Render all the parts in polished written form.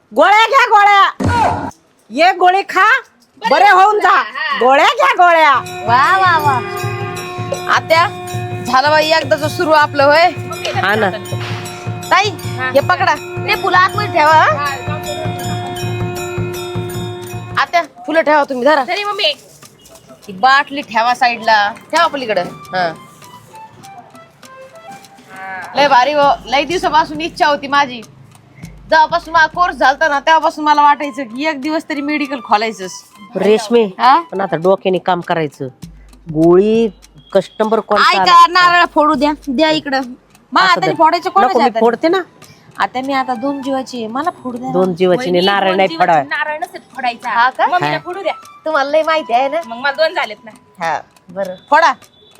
गोळ्या घ्या गोळ्या. ये गोळी खा बरे होऊन जा. गोळ्या घ्या गोळ्या. वा वा वा. आत्या झालं बाई एकदाच सुरू आपलं होय. हा ना ताई हे पकडा ते फुलं आतमध्ये ठेवा हा. आत्या फुलं ठेवा तुम्ही धरा. तरी मम्मी ती बाटली ठेवा साईडला ठेवा पलीकडे. हा लय भारी हो. लय दिवसापासून इच्छा होती माझी. जेव्हापासून माझा कोर्स झालता ना तेव्हापासून मला वाटायचं की एक दिवस तरी मेडिकल खोलायचंच. रेशमी हा? पण आता डोक्याने काम करायचं. गोळी कस्टमर कोण ऐका नारळ फोडू द्या द्या इकडं. मग आता फोडायचं कोणाच्या हाताने? फोडते ना. आता मी आता 2 जीवाची आहे मला फोडू द्या. 2 जीवाची नाही, नारळ नाही फोडाय. नारळ नसेल फोडायचा. हा का? मम्मीला फोडू द्या. तुम्हाला लय माहिती आहे ना. मग मला 2 झालेत ना. हा बरं फोडा.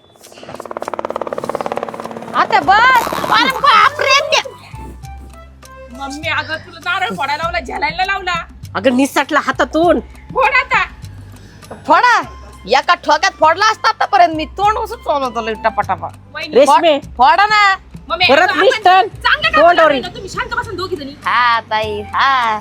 आता बस बापरे त्या. मम्मी अगं तुला नारळ फोडायला लावला झेलायला लावला. अगं निसटला हातातून. फोड आता. फोडा. एका ठोक्यात फोडला असता आतापर्यंत मी. तोंड असं चालवतो टपाटपा. वहिनी, रेशमी फोडा ना. मम्मी परत अगं, आपण निष्ठन. चांगलं काम तोंडावर करतोय ना, तुम्ही शांत बसा दोघी जणी. हा ताई हा.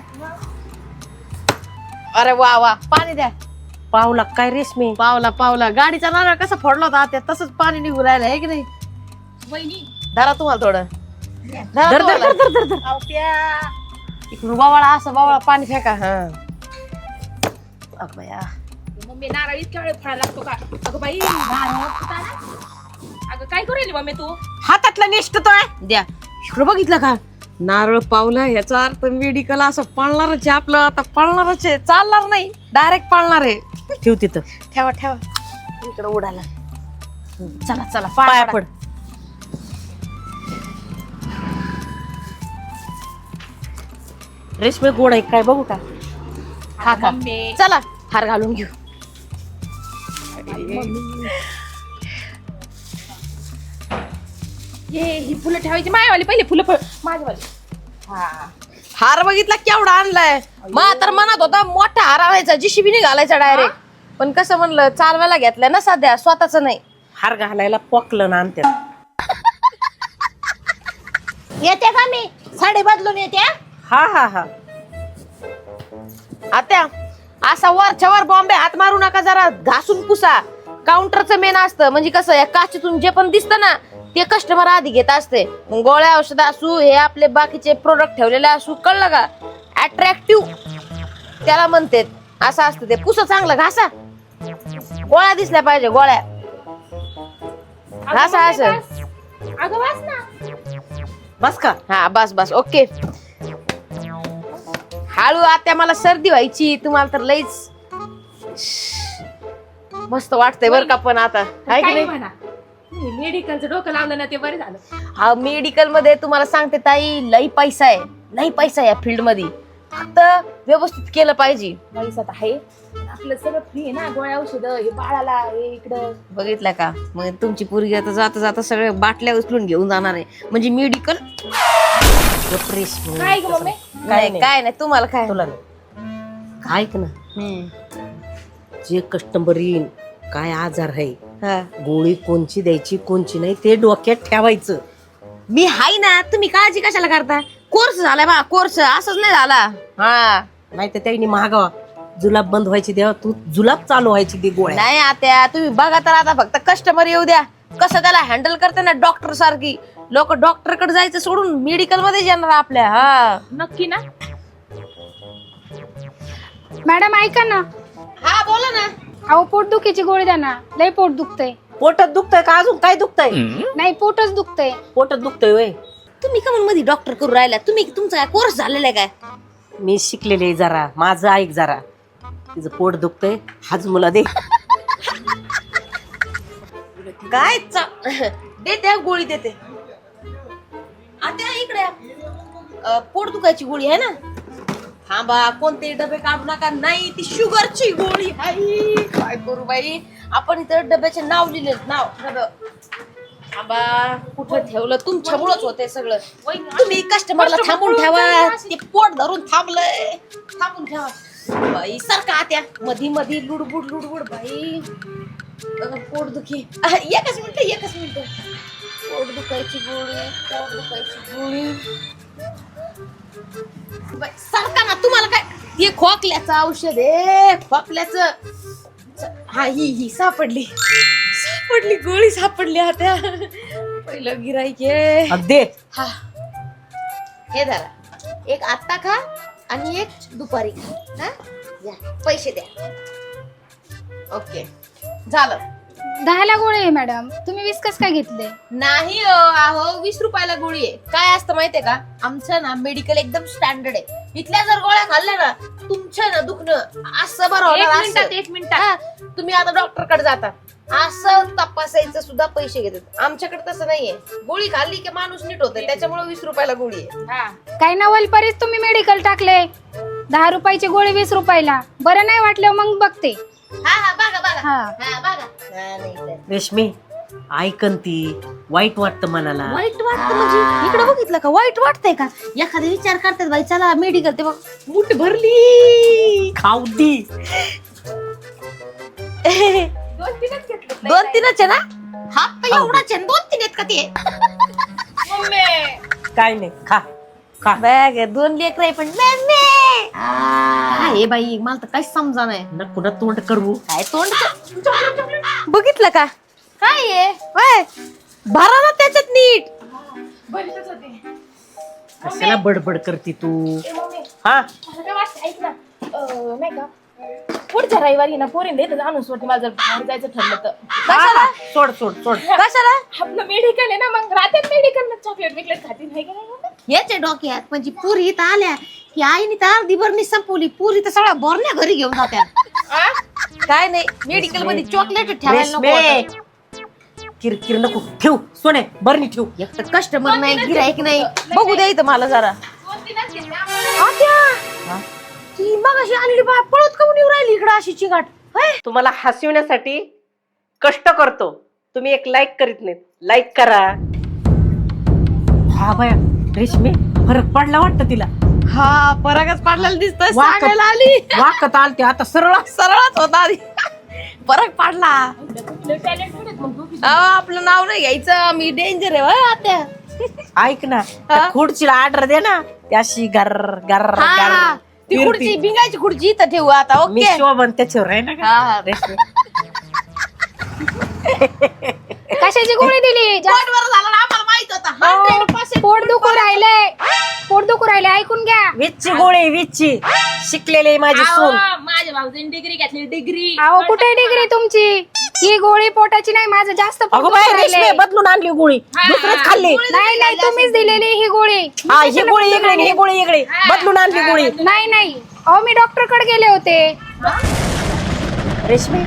अरे वा वा पाणी द्या. पावला काय रेशमी. पावला पावला गाडीचा नारळ कसा फोडला होता त्या तसंच पाणी निघून राहिलं आहे की नाही. वहिनी धरा तुम्हाला थोडं. धरा धर धर तुम्हाला. धर धर धर धर. आवत्या. इकडून बावळा असं बावळा पाणी फेका. हा अगं बया. मम्मी नारळ इतक्या वेळ फोडायला लागतो का? अगं बाई नारळ फुटायला. अगं काय करू राहिली मम्मी तू? हातातला निष्ठतोय. द्या इकडं बघितलं का नारळ पावला याचा अर्थ मेडिकल असं पळणारच आहे आपलं. आता पळणारच आहे चालणार नाही डायरेक्ट पळणार आहे. ठेव तिथं. ठेवा ठेवा इकडं उडाला. चला चला पाया पाया पड. रेशमी गोड आहे काय बघू का. हा का मम्मी चला हार घालून घेऊ. ही फुलं ठेवायची मायावाली पहिले फुलं माझ्यावाली. हा हार बघितला केवढा आणलाय. मग तर मनात होता मोठा हार आणायचा जीसीबी घालायचा डायरेक्ट. पण कसं म्हणलं चालवायला घेतलंय ना सध्या स्वतःच नाही. हार घालायला पोकलं ना आणते. येते का मी साडी बदलून येते. हा हा हा. आत्या असा वरच्या वर बॉम्बे हात मारू नका. जरा घासून पुसा. काउंटरचं मेन असतं म्हणजे कसं या काचेतून जे पण दिसतं ना ते कस्टमर आधी घेत असते. मग गोळ्या औषध असू हे आपले बाकीचे प्रोडक्ट ठेवलेले असू कळलं का. अट्रॅक्टिव्ह त्याला म्हणते असं असतं ते. पुसा चांगलं घासा. गोळ्या दिसल्या पाहिजे गोळ्या. घासा असं. अगं वाच ना. बस का. हा बस बस ओके. हळू आत्या मला सर्दी व्हायची तुम्हाला तर लईच मस्त वाटतंय बरं का. पण आता आहे की काही नाही. म्हणा मेडिकलचं डोकं लावलं ना ते बरं झालं. हा मेडिकल मध्ये तुम्हाला सांगते ताई लई पैसा आहे. लई पैसा या फील्ड मध्ये. फक्त व्यवस्थित केलं पाहिजे. पैसा तर आहे आपलं सगळं फ्री आहे ना. गोळ्या औषध हे बाळाला हे इकडं. बघितलं का मग तुमची पोरगी आता जाता जाता सगळे बाटल्या उचलून घेऊन जाणार आहे म्हणजे मेडिकल. काय ग मम्मी. नाही काय नाही तुम्हाला काय. तुला नाही. ऐक ना जे कस्टमर येईन काय आजार आहे हा. गोळी कोणची द्यायची कोणची नाही ते डोक्यात ठेवायचं. मी हाय ना तुम्ही काळजी कशाला करता. कोर्स झालाय बा कोर्स असंच नाही झाला. हा नाही तर त्यांनी महागावा जुलाब बंद व्हायची देवा तू जुलाब चालू व्हायची दे गोळ्या. नाही आता तुम्ही बघा तर आता फक्त कस्टमर येऊ द्या. कसं त्याला हँडल करते ना डॉक्टर सारखी. लोक डॉक्टर कडे जायचं सोडून मेडिकल मध्ये येणार आपल्या. हा नक्की ना. मॅडम ऐका ना. हा बोला ना. अहो पोटदुखीची गोळी द्या ना. लय पोट दुखतंय. पोटात दुखतंय का अजून काय दुखतंय. नाही पोटच दुखतंय. पोटात दुखतंय वय. तुम्ही का मध्ये डॉक्टर करू राहिला. तुम्ही तुमचा काय कोर्स झालेला आहे काय. मी शिकलेले आहे जरा. माझं ऐक जरा. तिचं पोट दुखतंय हाच मुला दे. काय देते गोळी देते. आता इकडे पोट दुखायची गोळी आहे ना. थांबा कोणते डबे काढू नका. नाही ती शुगरची गोळी आहे. काय करू बाई आपण इथं डब्याचे नाव लिहिले नाव डबं. थांबा कुठं ठेवलं तुमच्यामुळेच होते सगळं. तुम्ही कस्टमरला थांबून ठेवा. ते पोट धरून थांबलंय. थांबून ठेवा बाई. सारखा आत्या मधी मधी लुडबुड लुडबुड बाई. पोट दुखी. एकच मिनिट. पोट दुखायची गोळी. पोट दुखायची गोळी. सारखा ना ते खोकल्याचं औषध आहे, खोकल्याचं. हा ही सापडली गोळी सापडली आता. पहिलं गिराईक आहे. दे. हा हे धरा, एक आत्ता खा आणि एक दुपारी खा. हा या, पैसे द्या. ओके झालं. 10ला गोळी आहे मॅडम, तुम्ही 20 कस काय घेतले? नाही अहो 20 रुपयाला गोळी आहे. काय असतं माहितीये का, आमचं ना मेडिकल एकदम स्टँडर्ड आहे. इथल्या जर गोळ्या खाल्ल्या ना तुमचं ना दुखणं असं बरं होणार. एक मिनिटात हा, तुम्ही आता डॉक्टर कडे जाता, असं तपासायचं सुद्धा पैसे घेतात. आमच्याकडे तसं नाहीये. गोळी खाल्ली की माणूस नीट होते, त्याच्यामुळे 20 रुपयाला गोळी आहे. हा काय नवलपरीच तुम्ही मेडिकल टाकले. 10 रुपयाची गोळी 20 रुपयाला. बरं नाही वाटलं मग बघते. हा बघा हा. हा बघा. हा, नाही तर. रेशमी ऐकन ती वाईट वाटतं मनाला. वाईट वाटतं म्हणजे इकडे बघितलं का वाईट वाटतंय का? एखादा विचार करतात बाई चला मेडिकल, ते बघ मूठ भरली. खाऊ दी. 2-3च घेतले. 2-3च आहे ना? हात तर एवढाच आहे, 2-3 आहेत का ते? मम्मी काय नाही, खा खा. बॅग 2 लेकर आहे पण काय बाई मला तर काहीच समजा नाही. नको ना तोंड करू. काय तोंड बघितलं का? काय आहे होय? भरा ना त्याच्यात नीट. बरीच होते. कशाला बडबड करती तू? मम्मी हा मला काय वाटतं ऐक ना, नाही का पुढच्या रविवारी ना पोरींना इथं आणून सोडते. मला जर बाहेर जायचं ठरलं तर. हा, सोड सोड सोड. कशाला? आपलं मेडिकल आहे ना, मग राहते मेडिकल चॉकलेट बिकलेट खाती नाही का? नाही याचे डोक्यात म्हणजे पुरी इथं आल्या की आईने तर अर्धी बरणी संपवली. पुरी तर सगळ्या बरण्या घरी घेऊन जात्या. काय नाही मेडिकल मध्ये चॉकलेट ठेवायला नको रेशमे, होतं. किरकिर नको ठेव. सोने बरणी ठेव. एक तर कस्टमर नाही, गिराईक नाही. बघू द्या इथं मला जरा. 2-3च घेतले आम्हाला. आत्या, ती मग अशी आणली बा पळत काऊन येऊ राहिली इकडं अशी चिंगाट? तुम्हाला हसविण्यासाठी कष्ट करतो. तुम्ही एक लाईक करीत नाही. लाईक करा. हा बाया रेशमी फरक पडला वाटतं तिला. हा फरकच पडलेला दिसतोय. वाकत- सांगायला आली वाकत आलते आता सरळ. सरळच होता आधी. फरक पडला. कुठले टॅलेंटेड आहेत मग दोघी. आपलं नाव नाही घ्यायचं, मी डेंजर आहे होय आत्या. ऐक ना त्या खुर्चीला ऑर्डर दे ना. त्याशी गर गर हा, गर ती फिरती. खुर्ची भिंगाची खुर्ची इथं ठेवू आता. मी ओके शोभन त्याच्यावर आहे ना का? हा. रेशमी कशाची गोळी दिली? पोट बरं झालं ना, आम्हाला माहित होतं. 100% पोट दुखू राहिले. पोट दुखू राहिले, ऐकून घ्या. वीसची गोळी वीसची. शिकलेली माझी सून. अहो, माझ्या भाऊजीने डिग्री घेतली. डिग्री अहो कुठे डिग्री तुमची? ही गोळी पोटाची नाही, माझं जास्त पोट अगो दुखू बाय राहिलंय. रेशमी बदलून आणली गोळी. दुसरीच खाल्ली. नाही तुम्हीच दिलेली ही गोळी. हा ही गोळी इकडे आणि ही गोळी इकडे. बदलून आणली गोळी. नाही अहो मी डॉक्टर कडे गेले होते. रेशमी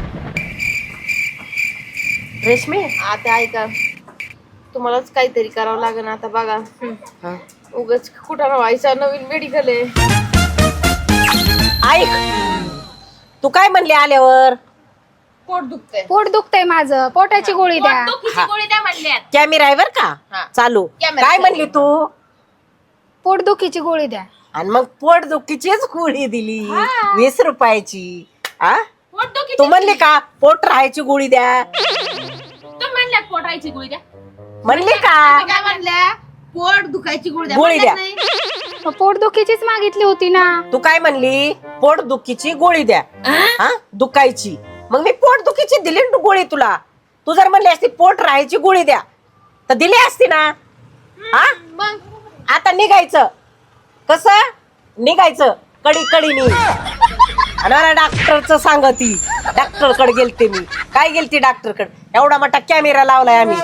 रेशमी आता ऐका, तुम्हालाच काहीतरी करावं लागेल आता. बघा हा. उगाच कुठं व्हायचा, नवीन मेडिकल आहे. ऐक तू काय म्हणली आल्यावर? पोट दुखतंय. पोट दुखतंय माझं, पोटाची गोळी द्या. दुखीची गोळी द्या म्हणल्यात. कॅमेरा आहे बर का हा. चालू. कॅमेरा काय चालू. म्हणली तू? पोट दुखीची गोळी द्या. आणि मग पोट दुखीचीच गोळी दिली 20 रुपयाची. आ पोट दुखीची तू म्हणली का पोट राहायची गोळी द्या? तुम्ही म्हणल्यात पोटायची गोळी द्या. म्हणली का? काय म्हणल्या? पोट दुखायची गोळी द्या. गोळी द्या. म्हणल्यात नाही? पोट दुखीचीच मागितली होती ना. तू काय म्हणली? पोट दुखीची गोळी द्या. हा दुखायची. मग मी पोट दुखीची दिली ना गोळी तुला. तू जर म्हणली असती पोट राहायची गोळी द्या तर दिली असती ना. हा मग आता निघायचं. कसं निघायचं? कडी कडीनी. आणि डॉक्टरचं सांगती. डॉक्टर कडे गेलते मी. काय गेलती डॉक्टर कडे? एवढा मोठा कॅमेरा लावलाय आम्ही.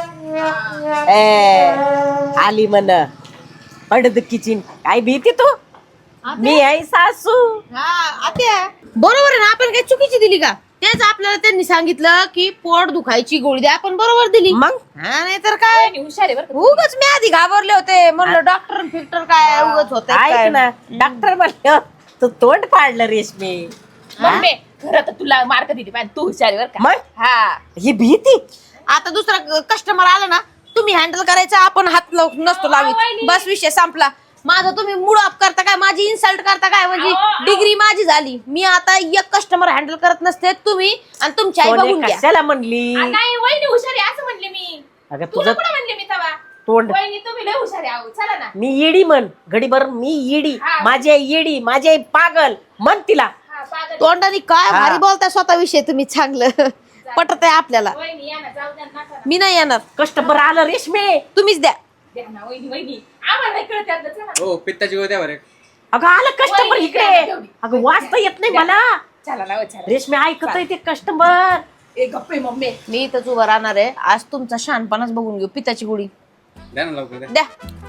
आली म्हण पडदुखीची. काय भीती तू? मी आहे सासू. हा आत्या बरोबर आहे ना. आपण काही चुकीची दिली का? तेच आपल्याला त्यांनी सांगितलं की पोट दुखायची गोळी द्या, आपण बरोबर दिली. मग हा नाही तर काय. वहिनी हुशार आहे बरं का. उगाच मी आधी घाबरले होते. म्हणलं डॉक्टर फिक्टर काय उगाच होत. ऐक ना डॉक्टर म्हणलं तू तोंड पाडलं रेशमी. मम्मी खरं तर तुला मार्क दिली पाहिजे. तू हुशार आहे बरं का. मग हा ही भीती. आता दुसरा कस्टमर आला ना, तुम्ही हँडल करायचा, आपण हात नसतो लावित. वहिनी. बस विषय संपला. माझं तुम्ही मूड ऑफ करता काय, माझी इन्सल्ट करता काय? म्हणजे डिग्री माझी झाली. मी आता एक कस्टमर हँडल करत नसते. तुम्ही आणि तुमची आई सोने बघून घ्या. कशाला म्हणली? नाही वहिनी हुशार आहे असं म्हणले मी. अगं तुला तुझं कुठं म्हणले मी तेव्हा? तोंड. वहिनी तुम्ही लय हुशार आहे अहो. चला ना. मी येडी म्हण घडीभर, मी येडी, हा. माझी आई येडी, माझी आई पागल म्हण तिला. हा, पागल. तोंडाने काय हा. भारी बोलताय स्वतःविषयी तुम्ही, चांगलं पटत आहे आपल्याला. वहिनी या ना, जाऊ द्या नका ना. मी नाही येणार, कस्टमर आलं रेशमे. तुम्हीच द्या. द्या ना वहिनी वहिनी. आम्हाला नाही कळत यातलं. चला ना. हो पित्ताची गोळी द्या बरं. अगं आलं कस्टमर वहिनी, इकडे. तेवढी. अगं वाचता येत नाही मला. चला ना, चला. रेशमे ऐकत आहे ते कस्टमर. ए गप्पे मम्मी. मी इथंच उभं राहणार आहे. आज तुमचा शहाणपणाच बघून घेऊ. पित्ताची गोळी द्या ना लवकर द्या. द्या.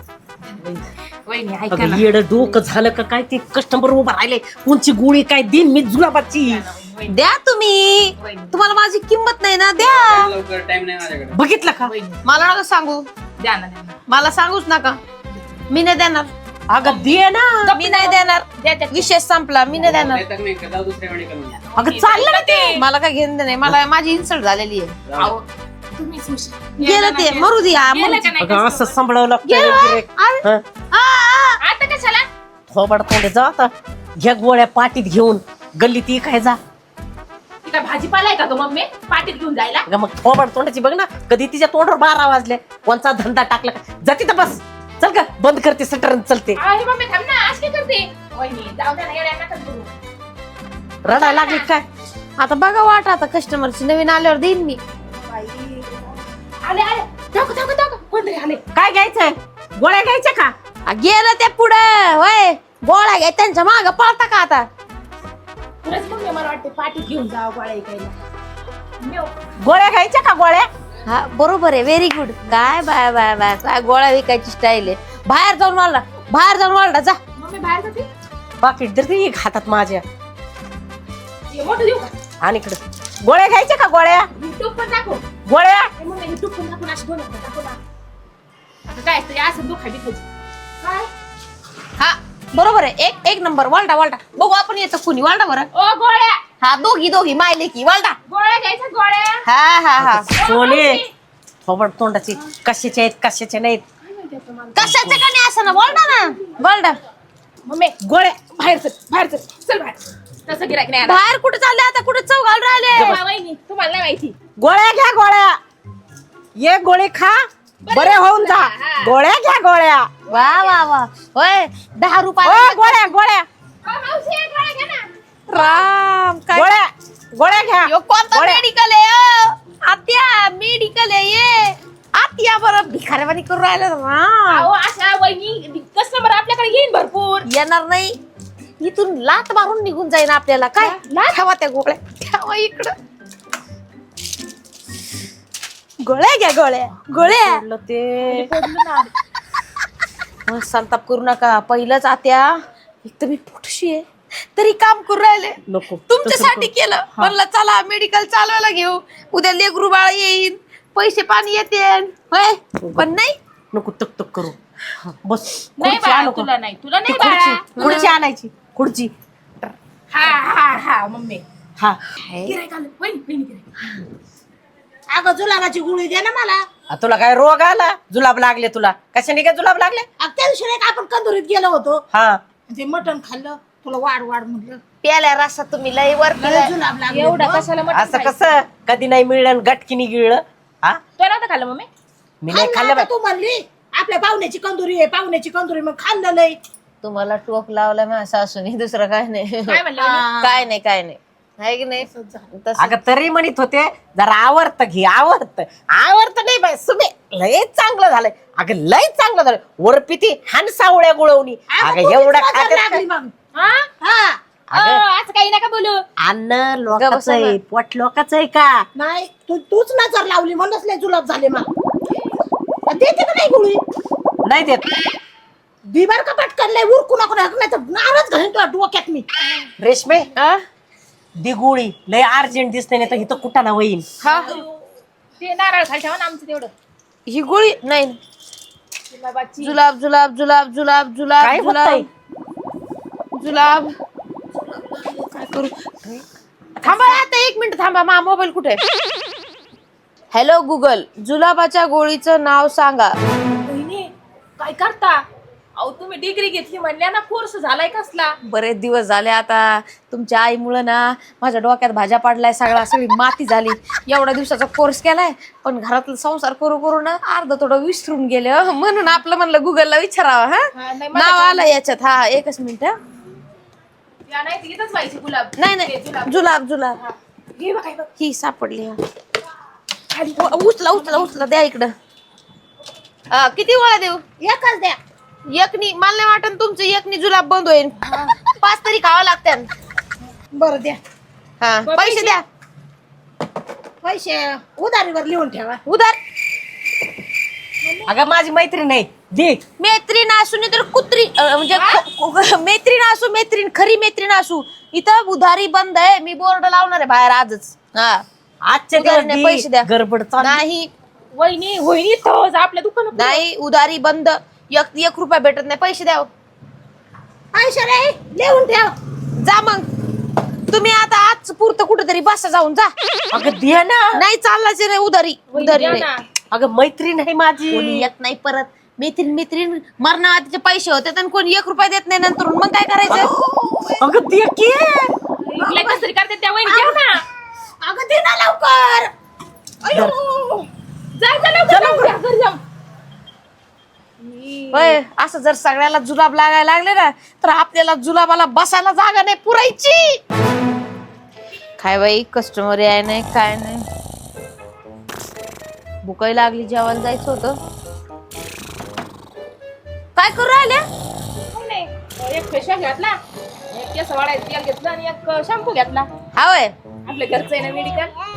वहिनी ऐका अगं ना. येड डोकं झालं का काय, ते कस्टमर उभा राहिले. कोणची गोळी काय दिन मी जुलाबाची. द्या तुम्ही. वहिनी. तुम्हाला माझी किंमत नाही ना, द्या. लवकर टाइम नाही माझ्याकडे. बघितलं का. वहिनी मला नका सांगू, द्या ना द्या ना. मला सांगूच नका. मी नाही देणार, अगं दे ना. मी नाही देणार. द्या द्या. विषय संपला, मी नाही देणार. नाही तर नाही का, जाऊ दुसऱ्या मेडिकल मध्ये. अगं चाललं ना ते. मला काय घेणं नाही, मला माझी इन्सल्ट झालेली आहे. जाऊ. अहो, तुम्हीच हुशार. गेलं ते, मरू द्या. गेलं का नाही अगं असं customer? सांभाळावं लागतं. गेलं. हं? आता कशाला? थोबड तोंडे जा आता. घ्या गोळ्या पाटीत घेऊन गल्ली ती काय जा. ती काय भाजीपाला आहे का ग मम्मी? पाटीत घेऊन जायला? अगं मग थोबड तोंडाची बघ ना, कधी तिच्या तोंडावर 12 वाजले. कोणचा धंदा टाकला का? जा तिथं बस. चल का बंद करते सटर चलते. अरे मम्मी थांब ना, आज काय करते? वहिनी जाऊ द्या ना, येड्या नका करू. रडायला लागली काय. आता बघा वाट, आता कस्टमरची नवीन आल्यावर देईन मी. आले आले. दाखव दाखव दाखव. कोणतरी आले. काय घ्यायचंय, गोळ्या घ्यायच्या का. गेलं ते पुढे होय. गोळ्या घ्या, त्यांच्या माग पळता का आता. खरंच मम्मी मला वाटते पाटीत घेऊन जावं गोळ्या ऐकायला. गोळ्या घ्यायच्या का गोळ्या. हा बरोबर आहे, व्हेरी गुड. काय बाय बाय बाय, काय गोळ्या विकायची स्टाईल आहे. बाहेर जाऊन वाढला, बाहेर जाऊन वाढला, जा. मम्मी बाहेर जाते. पाकिट तर ते हातात माझ्या. हे मोठं देऊ का? आणि इकडं गोळ्या घ्यायच्या का गोळ्या. युट्यूब पण दाखव. गोळ्या हे मम्मी युट्यूब पण दाखवून अशी बोलत नाही. दाखव ना. आता काय असतं, असं दुखा बिखायची. काय? हा बरोबर आहे, एक एक नंबर. वालडा वालडा बघू आपण येतं कुणी. वालडा बरं. ओ गोळ्या. हा दोघी दोघी मायले की वालडा. गोळ्या घ्यायच्या गोळ्या. हा हा हा. सोने थोबड तोंडाची. कशाचे आहेत कशाचे नाहीत. कशाचं का नाही असं ना, वालडा ना वालडा. मम्मी गोळ्या बाहेर चल, बाहेर चल. चल बाहेर. तसं गिरायक नाही आता. बाहेर कुठे चालले आता, कुठे चौघाल राहिले. वहिनी तुम्हाला नाही माहिती. गोळ्या घ्या गोळ्या. ये गोळी खा बरे होऊन जा. हा. गोळ्या घ्या गोळ्या. वा वा वा होय. 10 ओ रुपये. गोळ्या गोळ्या मावशी गोळ्या घ्या ना. राम काय गोळ्या गोळ्या घ्या. यो कोणता गोळ्या. मेडिकल आहे आत्या. मेडिकल आहे ये आत्या. बरं भिकाऱ्यावानी करून राहिलं राम. अहो अशा वहिनी कस्टमर आपल्याकडे येईन भरपूर. येणार नाही, इथून लात मारून निघून जाईन आपल्याला. काय लाथ? ठेवा त्या गोळ्या, ठेवा इकडं. गोळ्या घ्या गोळ्या गोळ्या. सोडलं ते. मग संताप करू नका. पहिलंच आत्या, एक तर मी पोटशी आहे तरी काम करू राहिले. नको तुमच्यासाठी केलं. म्हणलं चला मेडिकल चालवायला घेऊ, उद्या लेकरू बाळ येईन, पैसे पाणी येते होय. पण नाही, नको तक तक करू. बस नाही खुर्ची बाळा आणू का? तुला नाही, तुला ती नाही बाळा. खुर्ची आणायची. खुर्ची. हा हा हा मम्मी. हा गिरायक आलं. वहिनी वहिनी गिरायक. अगं जुलाबाची गोळी दे ना मला. तुला काय रोग आला. जुलाब लागले तुला. कशाने काय जुलाब लागले. अगं त्या दिवशी नाही का आपण कंदुरीत गेलो होतो, हा ते मटण खाल्लं, तुला वाढ वाढ म्हटलं, प्याल्या रस्ता तुम्ही लय वर मला जुलाब लागले. एवढा मग कशाला मटण असं खायचं? कसं कधी नाही मिळलं गटकीने गिळलं. हा तो नव्हतं खाल्लं मम्मी. मी नाही खाल्लं खाल्लं आता बाई. तू म्हणली आपल्या पाहुण्याची कंदुरी आहे, पाहुण्याची कंदुरी, मग खाल्लं लय. तुम्हाला टोक लावला माझ्या सासूने, दुसरं काय नाही. काय म्हणलं वहिनी? काय नाही काय नाही, आहे की नाही तसं. अगं तरी म्हणत होते जरा आवडतं घे. आवडतं नाही बाई. सुमे लय चांगलं झालंय. अगं लय चांगलं झालं. वरपिती हानसावळ्या गुळवणी. अगं तू एवढं किती खात्यात लागली काय? मग. हा? हा अहो, असं काही नका बोलू. अन्न लोकांचं आहे, पोट लोकांचं आहे का. नाही तूच नजर लावली म्हणूनच लय जुलाब झाले मग. देते का नाही गोळी. नाही देत. दिवार का पटकन लय उरकू नको नाही तर नारच घालीन तुला डोक्यात मी. रेशमे हा? दिगुळी लय अर्जंट दिसते नाही तर इथं कुठं ना होईन. हा? ते नारळ खाली ठेवा ना आमचं तेवढं. ही गोळी नाही. गुलाबाची. जुलाब जुलाब जुलाब जुलाब जुलाब काय होतंय? जुलाब. काय करू. थांबा आता 1 मिनिट थांबा. मा मोबाईल कुठे. हॅलो गुगल, जुलाबाच्या गोळीचं नाव सांगा. वहिनी काय करता. अहो तुम्ही तुम्ही डिग्री घेतली म्हणल्या ना, कोर्स झालाय कसला? बरेच दिवस झाले आता तुमच्या आईमुळे ना माझ्या डोक्यात भाज्या पाडलाय, सगळी माती झाली. एवढ्या दिवसाचा कोर्स केलाय पण घरातला संसार करू करू ना अर्ध थोडं विसरून गेले. म्हणून आपलं म्हणलं गुगलला विचारावं. हा, हा नाही, नाव आलं याच्यात. हा एकच मिनिट. या नाही तर इथंच व्हायची गुलाब. नाही नाही जुलाब जुलाब हे बघ, हे बघ. ही सापडली. उचला उचला उचला द्या इकडं. किती गोळ्या देऊ? एकच द्या. एकनी मला नाही वाटत तुमचं एकनी जुलाब बंद होईल. 5 तरी खावा लागतात. बरं द्या. हा पैसे द्या. पैसे उधारीवर लिहून ठेवा. उधार अगं माझी मैत्रीण आहे, दे. मैत्रीण असू नाही तर कुत्री म्हणजे मैत्रीण असू, मैत्रीण खरी मैत्रीण असू. इथं उधारी बंद आहे. मी बोर्ड लावणार आहे बाहेर आजच. हा आजच्या उधारी दिवस नाही, दे. पैसे द्या. गडबड चालू. नाही वहिनी वहिनी तोच आपल्या दुकानात. नाही उधारी बंद. 1 रुपया भेटत नाही. पैसे द्या. पैसे नाही लिहून ठेव. जा मग तुम्ही आता आज पुरतं कुठेतरी बसा जाऊन जा. अगं दे ना. नाही चाललाच नाही उधारी. उधारी द्या नाही. ना. अगं मैत्रीण आहे माझी. कोणी येत नाही परत. मैत्रीण मैत्रीण मरणाचे पैसे होते आणि कोणी 1 रुपया देत नाही नंतर मग काय करायचं? अगं दे की. इकडे कसं तरी करते त्या वहिनी. द्या ना. अगं दे ना लवकर. अयो. जा जा लवकर, लवकर. घरी जाऊ. होय असं जर सगळ्याला जुलाब लागायला लागले ना तर आपल्याला जुलाबाला बसायला जागा नाही पुरायची. काय बाई कस्टमर आहे नाही काय नाही. भुकाई लागली, जेवायला जायचं होतं. काय करू राहिल्या? काही नाही. एक फेशियल घेतला, एक केस वाढायचं तेल घेतलं आणि एक शॅम्पू घेतला. हा होय आपल्या घरचं आहे ना मेडिकल.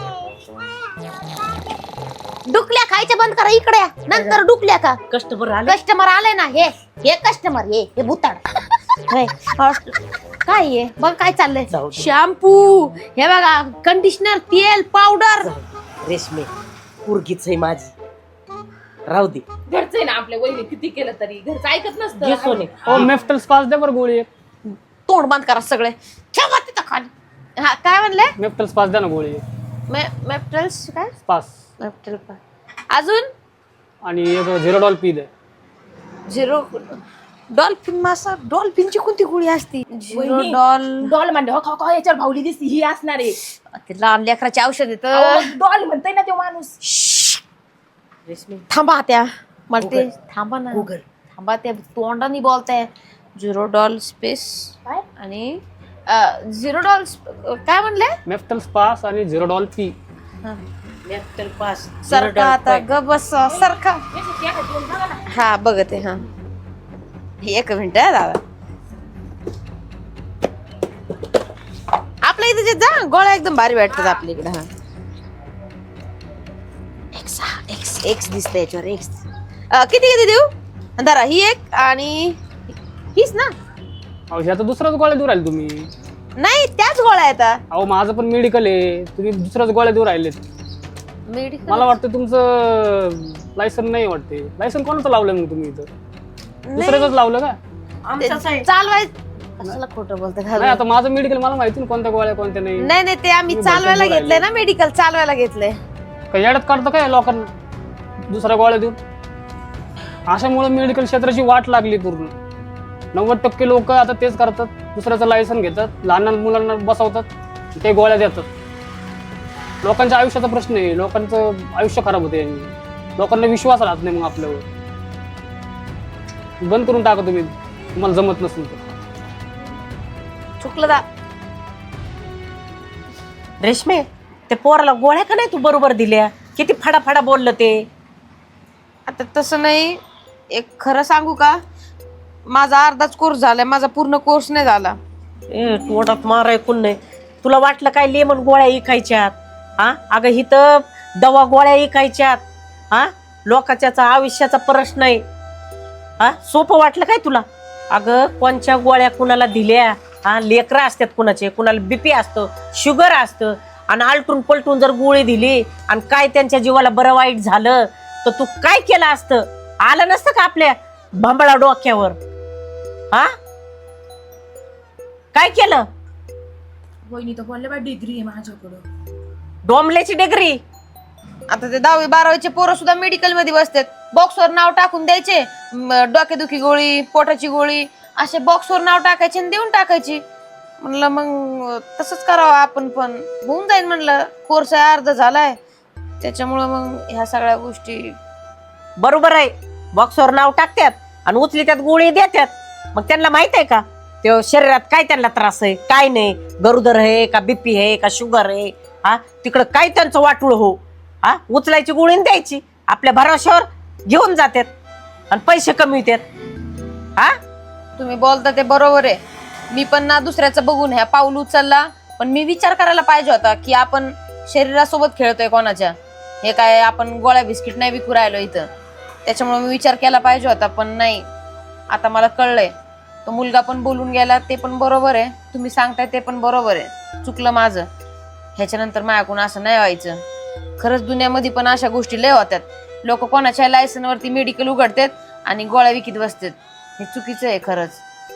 डुकल्या खायच्या बंद करा. इकडे या. नंतर डुकल्या का कस्टमर आले. कस्टमर आले ना. हे कस्टमर हे भुताड. होय. काय आहे बघ काय चाललंय. जाऊ दे. शॅम्पू हे बघा, कंडिशनर, तेल, पावडर. रेशमे पोरगीच आहे माझी, राहू दे. घरचं आहे ना आपल्या वहिनी. किती केलं तरी घरचं ऐकत घे नसतं. सोने. ओ मेफ्टल स्पास द्या बरं गोळी एक. तोंड बंद करा सगळे. ठेवा तिथं खाली. हा काय म्हणले? मेफ्टल स्पास द्या ना गोळी एक. मेप्टल्स काय? स्पास मेप्टल अजून आणि एक झिरोडॉल पी द्या. झिरो डॉल्फिन मासा. डॉल्फिनची कोणती गोळी असती? झिरो वहिनी, डॉल. डॉल म्हणते हो खा याच्यावर भावली दिसती ही असणार आहे. ते लहान लेकराचे औषध येत. डॉल म्हणतोय ना तो माणूस. रेशमे थांबा त्या मला ते Google. थांबा ना. Google. थांबा त्या तोंडाने बोलताय. झिरो डॉल स्पेस काय? आणि झिरो डॉल काय म्हणले? मेफ्टल स्पास आणि झिरोडॉल पी. मेफ्टल पास. सरका आता ग बस सरका. याच्यात एखादी दोन बघा ना. हा बघते. हा एक मिनिट दादा. आपल्या इथे जे जा गोळ्या एकदम भारी भेटतात आपल्या इकडे. हा एक्स दिसतंय याच्यावर. एक्स किती किती देऊ? धरा ही एक आणि हीच ना. अहो ह्याचा दुसराच गोळ्या देऊ राहिले तुम्ही. नाही त्याच गोळ्या येतात. अहो माझं पण मेडिकल आहे, तुम्ही दुसराच गोळ्या देऊ राहिलेत. मेडिकल मला वाटतं तुमचं लायसन नाही वाटते. लायसन कोणाचं लावलं मग तुम्ही इथं? दुसऱ्याच लावलं का? आमचाच आहे. चालवायचं. कशाला खोटं बोलते. नाही आता माझं मेडिकल मला माहिती ना कोणत्या गोळ्या कोणत्या नाही. नाही नाही ते आम्ही तुम्ही चालवायला भलतं घेतलंय ना. मेडिकल चालवायला घेतलंय. काही येड्यात काढतं काय लोकांना दुसऱ्या गोळ्या देऊन? अशामुळे मेडिकल क्षेत्राची वाट लागली पूर्ण. 90% लोक आता तेच करतात. दुसऱ्याचं लायसन घेतात, लहान मुलांना बसवतात, ते गोळ्या देतात. लोकांच्या आयुष्याचा प्रश्न आहे. लोकांचं आयुष्य खराब होते. लोकांना विश्वास राहत नाही मग आपल्यावर. बंद करून टाका तुम्ही, तुम्हाला जमत नसेल तर. चुकलं दा. रेशमे ते पोराला गोळ्या का नाही तू बरोबर दिल्या? किती फडाफडा बोललं ते. आता तसं नाही. एक खरं सांगू का, माझा अर्धाच कोर्स झालाय. माझा पूर्ण कोर्स नाही झाला. तोंडात मार ऐकून नाही. तुला वाटलं काय लेमन गोळ्या इकायच्यात? हा अगं हिथं दवा गोळ्या इकायच्यात. हा लोकांच्या आयुष्याचा प्रश्न आहे. हा सोपं वाटलं काय तुला? अगं कोणच्या गोळ्या कुणाला दिल्या? हा लेकरं असतात कुणाचे, कुणाला बीपी असतं, शुगर असतं, आणि आलटून पलटून जर गोळी दिली आणि काय त्यांच्या जीवाला बरं वाईट झालं तर तू काय केलं असतं? आलं नसतं का आपल्या भांबळा डोक्यावर? हा काय केलं? वहिनी तर बोलले बा डिग्री आहे माझ्याकडं. डोंबल्याची डिग्री. आता ते 10वी 12वीचे पोरं सुद्धा मेडिकल मध्ये बसतात. बॉक्सवर नाव टाकून द्यायचे डोकेदुखी गोळी, पोटाची गोळी असे बॉक्सवर नाव टाकायचे आणि देऊन टाकायची. म्हणलं मग तसंच करावं आपण पण, होऊन जाईल म्हणलं. कोर्स अर्धा झालाय त्याच्यामुळं मग ह्या सगळ्या गोष्टी. बरोबर आहे, बॉक्सवर नाव टाकतात आणि उचली त्यात गोळी देतात. मग त्यांना माहित आहे का ते शरीरात काय त्यांना त्रास आहे काय नाही, गरोदर आहे का बीपी आहे का शुगर आहे, हा तिकडं काय त्यांचं वाटूळ हो, हा उचलायची गोळी आणि द्यायची. आपल्या भरोश्यावर घेऊन जातात आणि पैसे कमी होतात. हा तुम्ही बोलता ते बरोबर आहे. मी पण ना दुसऱ्याचं बघून ह्या पाऊल उचलला, पण मी विचार करायला पाहिजे होता की आपण शरीरासोबत खेळतोय कोणाच्या. हे काय आपण गोळ्या बिस्किट नाही विकू राहिलो इथं, त्याच्यामुळे मी विचार केला पाहिजे होता. पण नाही, आता मला कळलंय. तो मुलगा पण बोलून गेला ते पण बरोबर आहे, तुम्ही सांगताय ते पण बरोबर आहे. चुकलं माझं, ह्याच्यानंतर माझ्याकडून असं नाही व्हायचं. खरंच दुनियामध्ये पण अशा गोष्टी लय होत्यात. लोक कोणाच्या लायसनवरती मेडिकल उघडतात आणि गोळ्या विकत बसतात. हे चुकीचं आहे खरंच.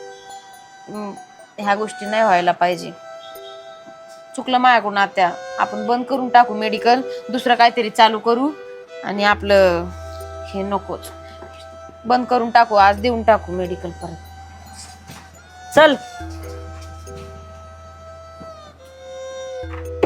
ह्या गोष्टी नाही व्हायला पाहिजे. चुकलं माझ्याकडून आत्या. आपण बंद करून टाकू मेडिकल, दुसरं काहीतरी चालू करू आणि आपलं हे नकोच, बंद करून टाकू. आज देऊन टाकू मेडिकल परत. चल